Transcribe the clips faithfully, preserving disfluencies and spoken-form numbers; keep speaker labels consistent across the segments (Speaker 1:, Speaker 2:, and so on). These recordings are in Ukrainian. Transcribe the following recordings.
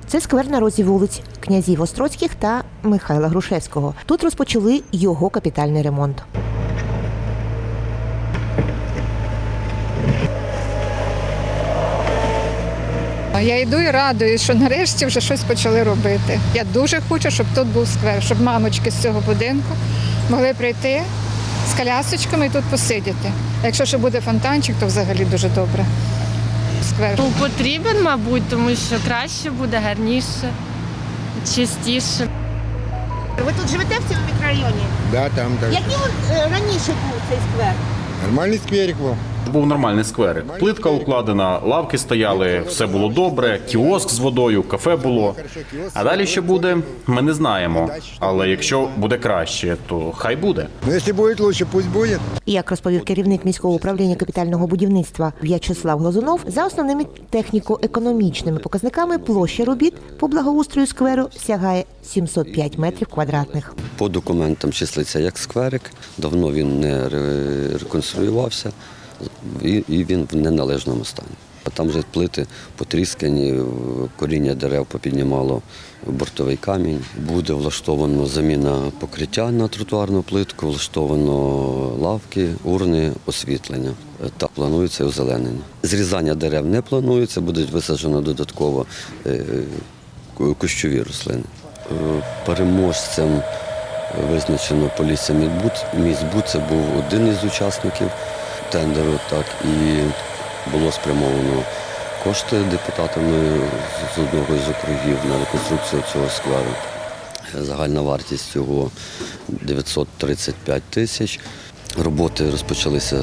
Speaker 1: Це сквер на розі вулиць князів Острозьких та Михайла Грушевського. Тут розпочали його капітальний ремонт.
Speaker 2: Я йду і радуюсь, що нарешті вже щось почали робити. Я дуже хочу, щоб тут був сквер, щоб мамочки з цього будинку могли прийти з колясочками і тут посидіти. А якщо ще буде фонтанчик, то взагалі дуже добре. Сквер.
Speaker 3: Ну, потрібен, мабуть, тому що краще буде, гарніше, чистіше.
Speaker 1: Ви тут живете в цьому мікрорайоні?
Speaker 4: Да, там так.
Speaker 1: Який раніше був цей сквер?
Speaker 4: Нормальний скверик був.
Speaker 5: Був нормальний скверик. Плитка укладена, лавки стояли, все було добре, кіоск з водою, кафе було. А далі що буде, ми не знаємо. Але якщо буде краще, то хай буде.
Speaker 4: Ну, якщо буде краще, пусть буде.
Speaker 1: Як розповів керівник міського управління капітального будівництва В'ячеслав Глазунов, за основними техніко-економічними показниками площа робіт по благоустрою скверу сягає сімсот п'ять метрів квадратних.
Speaker 6: По документам числиться як скверик, давно він не ре- реконструювався і і він в неналежному стані. Там вже плити потріскані, коріння дерев попіднімало бортовий камінь. Буде влаштовано заміна покриття на тротуарну плитку, влаштовано лавки, урни, освітлення. Так, планується озеленення. Зрізання дерев не планується, будуть висаджено додатково е, кущові рослини. Е, Переможцем визначено Полісся Міськбуд. Це був один із учасників тендеру, так, і було спрямовано кошти депутатами з одного з округів на реконструкцію цього скверу. Загальна вартість його дев'ятсот тридцять п'ять тисяч. Роботи розпочалися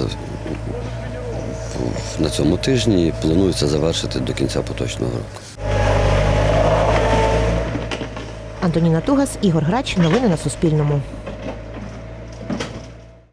Speaker 6: на цьому тижні і планується завершити до кінця поточного року.
Speaker 1: Антоніна Тугас, Ігор Грач. Новини на Суспільному.